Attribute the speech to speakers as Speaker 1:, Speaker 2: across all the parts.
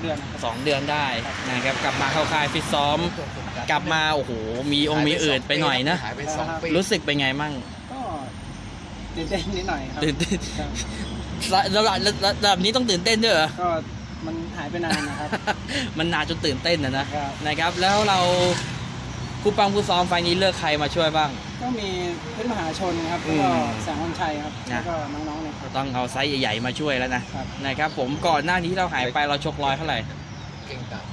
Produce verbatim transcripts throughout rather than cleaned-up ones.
Speaker 1: เดือน
Speaker 2: สองเดือนได้นะครับกลับมาเข้าค่ายฟิตซ้อมกลับมาโอ้โหมีองค์มีอื่นไปหน่อยนะ
Speaker 3: หายไปสองปี
Speaker 2: รู้สึกเป็นไงมั่ง
Speaker 1: ก็ตื่นเต้นนิดหน่อยครับ
Speaker 2: ตื่นเต้นระดับระดับนี้ต้องตื่นเต้นด้วยเหรอ
Speaker 1: ก็มันหายไปนานนะครับ
Speaker 2: มันนานจนตื่นเต้นนะนะนะครับแล้วเราครูปังครูซ้อมไฟนี้เลือกใครมาช่วยบ้าง
Speaker 1: ก็มีเพชรมหาชนครับแล้วก็แสงวันชัยครับแล้วก็น้องๆเนี่ย
Speaker 2: ต้องเอาไซส์ใหญ่ๆมาช่วยแล้วนะนะครับผมก่อนหน้านี้เราหายไปเราชกร้อยเท่าไหร่
Speaker 3: เก่งกาจ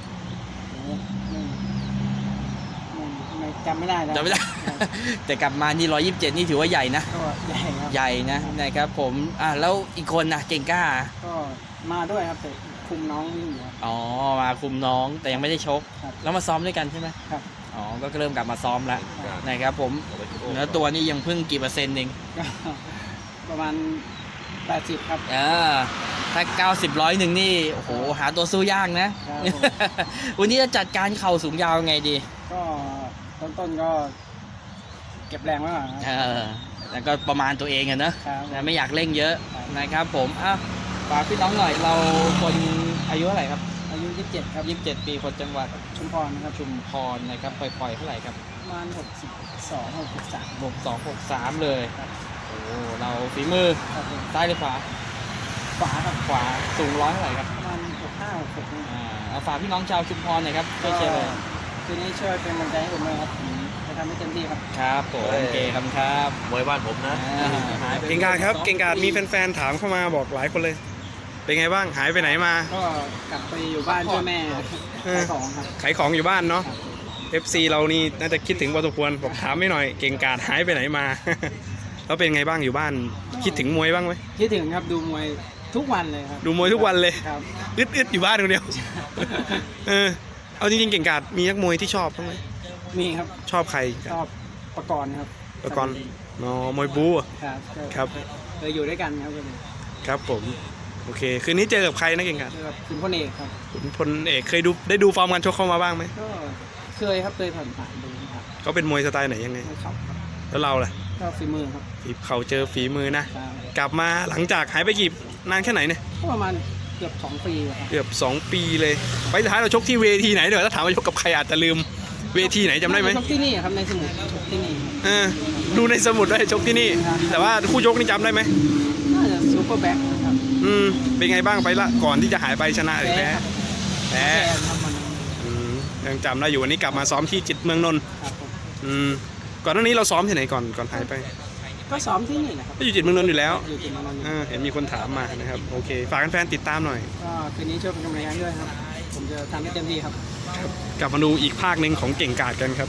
Speaker 1: ไม่จำไม่ได้แล้ว
Speaker 2: จำไม่ได้แต่กลับมานี่ร้อยยี่สิบเจ็ดนี่ถือว่าใหญ่นะ
Speaker 1: ใหญ่ครับ
Speaker 2: ใหญ่นะนะครับผมอ่ะแล้วอีกคนนะเก่งกล้า
Speaker 1: ก็มาด้วยครับแต่คุมน้องวิ่งอยู่
Speaker 2: อ๋อมาคุมน้องแต่ยังไม่ได้ชกแล้วมาซ้อมด้วยกันใช่ไหม
Speaker 1: ครับ
Speaker 2: อ๋อก็เริ่มกลับมาซ้อมแล้วนะครับผมเนื้อตัวนี่ยังเพิ่งกี่เปอร์เซ็นต์เอง
Speaker 1: ประมาณแปดสิบครับ
Speaker 2: เออถ้าเก้าสิบร้อยหนึ่งนี่โอ้โหหาตัวสู้ยากนะวันนี้จะจัดการเข่าสูงยาวไงดี
Speaker 1: ก็ต้นๆก็เก็บแรงไว้ก่อน
Speaker 2: เออแล้วก็ประมาณตัวเองอะนะไม่อยากเร่งเยอะนะครับผมอ่ะฝากพี่น้องหน่อยเราคนอายุเท่าไหร่ครับ
Speaker 1: อายุยี่สิบเจ็ดครับ
Speaker 2: ยี่สิบเจ็ดปีคนจังหวัด
Speaker 1: ชุมพรนะครับ
Speaker 2: ชุมพรนะครับปล่อยๆเท่าไหร่ครับ
Speaker 1: ประมาณหกสิบสองหกสิบสาม
Speaker 2: หกสองหกสามเลยโอ้เราฝีมือซ้ายหรือขวา
Speaker 1: ขวาครับ
Speaker 2: ขวาสูงร้อยเท่าไหร่ครับ
Speaker 1: ประมาณหกห้าหกหก
Speaker 2: อ่าเอาฝากพี่น้องชาวชุมพรหน่อยครับช่วยเชียร์เลย
Speaker 1: คืนนี้ช่วยเป็นกำลังใจให้ผมเลยครับจะทำให้เต็มที่ครับ
Speaker 2: ครับผมโอเคครับครับ
Speaker 3: มวยบ้านผมนะ
Speaker 4: เก่งกาจครับเก่งกาจมีแฟนๆถามเข้ามาบอกหลายคนเลยเป็นไงบ้างหายไปไหนมา
Speaker 1: ก็กลับไปอยู่บ้านช่วยแม่ขายของครับ
Speaker 4: ขายของอยู่บ้านเนาะ เอฟ ซี เรานี่น่าจะคิดถึงพอสมควรบอกถามไม่หน่อยเก่งกาจหายไปไหนมาแล้วเป็นไงบ้างอยู่บ้านคิดถึงมวยบ้างไหม
Speaker 1: คิดถึงครับดูมวยทุกวันเลยครับ
Speaker 4: ดูมวยทุกวันเลย
Speaker 1: ครับ
Speaker 4: อึดๆอยู่บ้านคนเดียวเออเอาจริงๆเก่งกาจมีนักมวยที่ชอบบ้างไหม
Speaker 1: มีครับ
Speaker 4: ชอบใคร
Speaker 1: ชอบประกรณ์ครับ
Speaker 4: ประกรณ์อ๋อมวยบู๊
Speaker 1: ครับ
Speaker 4: ครับ
Speaker 1: เคยอยู่ด้วยกันครับ
Speaker 4: ครับผมโอเคคืนนี้เจอกับใครนะเก่งกาจ
Speaker 1: ขุนพลเอกครับ
Speaker 4: ขุนพลเอกเคยดูได้ดูฟอร์มการชกเข้ามาบ้างไหม
Speaker 1: ก็เคยครับเคยผ่านผ่านดูครับ
Speaker 4: เขาเป็นมวยสไตล์ไหนยังไง
Speaker 1: ครับ
Speaker 4: แล้วเราล่ะ
Speaker 1: ก็ฝีมือครับ
Speaker 4: ฝีเขาเจอฝีมือนะกลับมาหลังจากหายไปกี่นานแค่ไหนเนี่ย
Speaker 1: ก็ประมาณเกือบสองปีครับ
Speaker 4: เกือบสองปีเลยไปท้ายเราชกที่เวทีไหนเดี๋ยวถ้าถามว่าชกกับใครอาจจะลืมเวทีไหนจำได้ไหม
Speaker 1: ชกที่นี่ครับในสมุดชกที่นี่
Speaker 4: เออดูในสมุดได้ชกที่นี่แต่ว่าคู่ชกนี่จำได้ไหม
Speaker 1: น่าจะซูเปอร์แบ็คครับ
Speaker 4: อืมเป็นไงบ้างไปละก่อนที่จะหายไปชนะหรือแพ้แพ้ยังจำได้อยู่วันนี้กลับมาซ้อมที่จิตเมืองนนท์อืมก่อนหน้านี้เราซ้อมที่ไหนก่อนก่อนหายไป
Speaker 1: ก็ซ้อมที่นี่แหละครับ
Speaker 4: ก็อยู่จิตเมืองนนท์อยู่แล้ว
Speaker 1: อยู่จิตเมืองนนท์
Speaker 4: เห็นมีคนถามมานะครับโอเคฝากแฟนๆติดตามหน่อย
Speaker 1: ก็คืนนี้ช่วยเป็นกำลังใจด้วยครับผมจะทำให้เต็มที่ครับ
Speaker 4: กลับมาดูอีกภาคหนึ่งของเก่งกาจกันครับ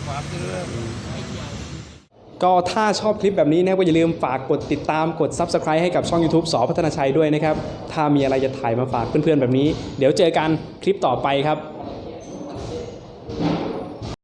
Speaker 4: ก็ถ้าชอบคลิปแบบนี้นะก็อย่าลืมฝากกดติดตามกด ซับสไครบ์ ให้กับช่อง ยูทูบ สอ พัฒนาชัยด้วยนะครับถ้ามีอะไรจะถ่ายมาฝากเพื่อนๆแบบนี้เดี๋ยวเจอกันคลิปต่อไปครับ